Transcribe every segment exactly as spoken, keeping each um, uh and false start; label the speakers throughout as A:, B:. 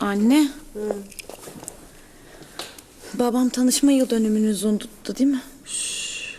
A: Anne. Hı. Babam tanışma yıl dönümünüzü unuttu değil mi? Şşş.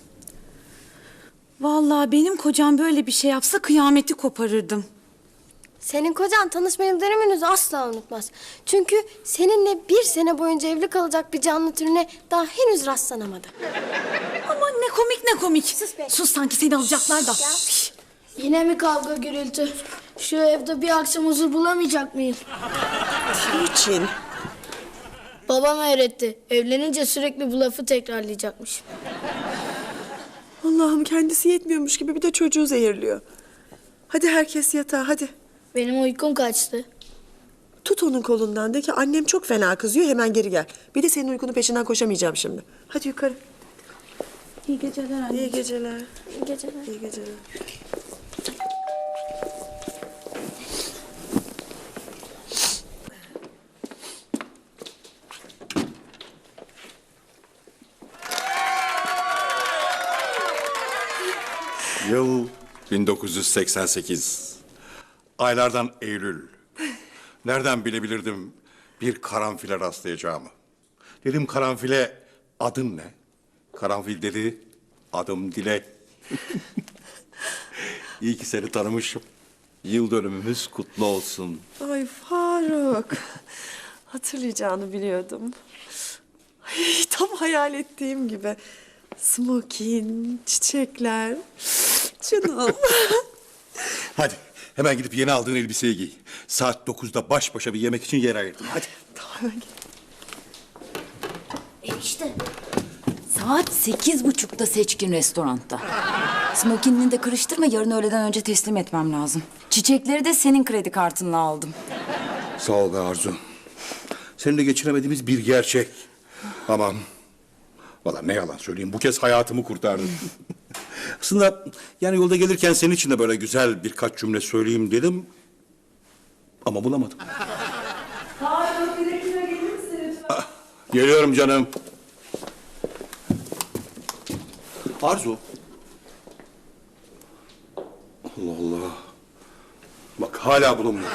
A: Vallahi benim kocam böyle bir şey yapsa kıyameti koparırdım.
B: Senin kocan tanışma yıl dönümünüzü asla unutmaz. Çünkü seninle bir sene boyunca evli kalacak bir canlı türüne daha henüz rastlanamadı.
A: Aman ne komik ne komik.
B: Sus be.
A: Sus sanki seni alacaklar da.
B: Şş.
C: Yine mi kavga gürültü? Şu evde bir akşam huzur bulamayacak mıyım?
D: Niçin?
C: Babam öğretti. Evlenince sürekli bu lafı tekrarlayacakmış.
D: Allah'ım kendisi yetmiyormuş gibi bir de çocuğu zehirliyor. Hadi herkes yatağa hadi.
C: Benim uykum kaçtı.
D: Tut onun kolundan de ki annem çok fena kızıyor hemen geri gel. Bir de senin uykunun peşinden koşamayacağım şimdi. Hadi yukarı.
A: İyi geceler anne.
D: İyi geceler.
B: İyi geceler.
D: İyi geceler.
E: Yıl bin dokuz yüz seksen sekiz. Aylardan Eylül. Nereden bilebilirdim bir karanfile rastlayacağımı? Dedim karanfile adın ne? Karanfil dedi adım Dilek. İyi ki seni tanımışım. Yıl dönümümüz kutlu olsun.
D: Ay Faruk. Hatırlayacağını biliyordum. Ay, tam hayal ettiğim gibi. Smokin, çiçekler. Canım.
E: Hadi hemen gidip yeni aldığın elbiseyi giy. Saat dokuzda baş başa bir yemek için yer ayırdım. Hadi.
D: Tamam hemen gel.
F: Enişte. Saat sekiz buçukta Seçkin restoranda. Smokinini de kırıştırma, yarın öğleden önce teslim etmem lazım. Çiçekleri de senin kredi kartınla aldım.
E: Sağ ol be Arzu. Seninle geçiremediğimiz bir gerçek. Aman. Vallahi ne yalan söyleyeyim, bu kez hayatımı kurtardın. Aslında yani yolda gelirken senin için de böyle güzel birkaç cümle söyleyeyim dedim. Ama bulamadım.
D: Faruk bir dakika gelir misin lütfen?
E: Ah, geliyorum canım. Arzu. Allah Allah. Bak hala bulunmuyor.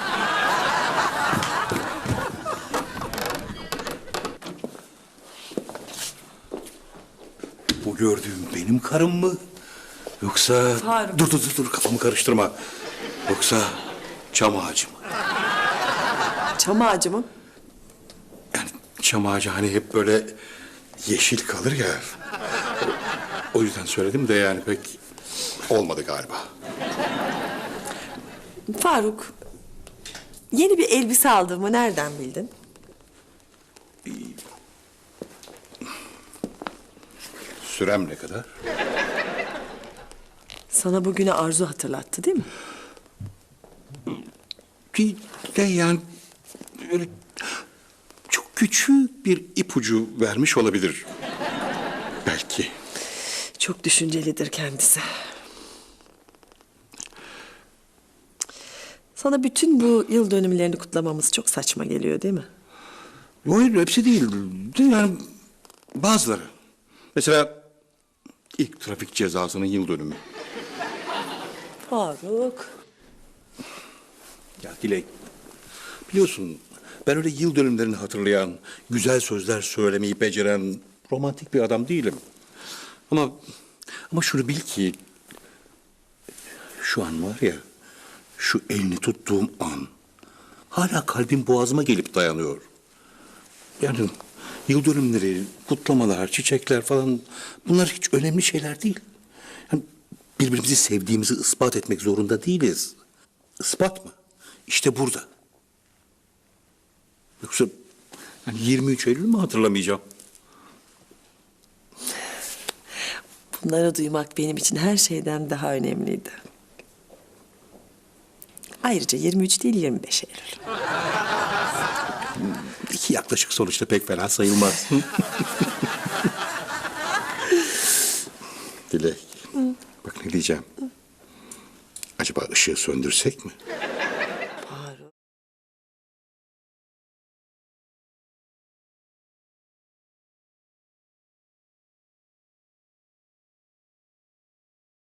E: Bu gördüğüm benim karım mı? Yoksa...
D: Faruk.
E: Dur dur dur dur kafamı karıştırma. Yoksa çam ağacı mı?
D: Çam ağacı mı?
E: Yani çam ağacı hani hep böyle yeşil kalır ya. O yüzden söyledim de yani pek olmadı galiba.
D: Faruk. Yeni bir elbise aldığımı nereden bildin?
E: Sürem ne kadar?
D: Sana bugünü Arzu hatırlattı değil mi?
E: Bir de yani böyle çok küçük bir ipucu vermiş olabilir. Belki.
D: Çok düşüncelidir kendisi. Sana bütün bu yıl dönümlerini kutlamamız çok saçma geliyor değil mi?
E: Hayır hepsi değil. Yani bazıları. Mesela ilk trafik cezasının yıl dönümü.
D: Faruk.
E: Ya Dilek, biliyorsun ben öyle yıl dönümlerini hatırlayan, güzel sözler söylemeyi beceren romantik bir adam değilim. Ama ama şunu bil ki şu an var ya, şu elini tuttuğum an hala kalbim boğazıma gelip dayanıyor. Yani yıl dönümleri, kutlamalar, çiçekler falan bunlar hiç önemli şeyler değil. Yani birbirimizi sevdiğimizi ispat etmek zorunda değiliz. Ispat mı? İşte burada. Yoksa yani yirmi üç Eylül mü hatırlamayacağım?
D: Bunları duymak benim için her şeyden daha önemliydi. Ayrıca yirmi üç değil yirmi beş Eylül.
E: İki yaklaşık sonuçta pek fena sayılmaz. Dilek, bak ne diyeceğim. Acaba ışığı söndürsek mi?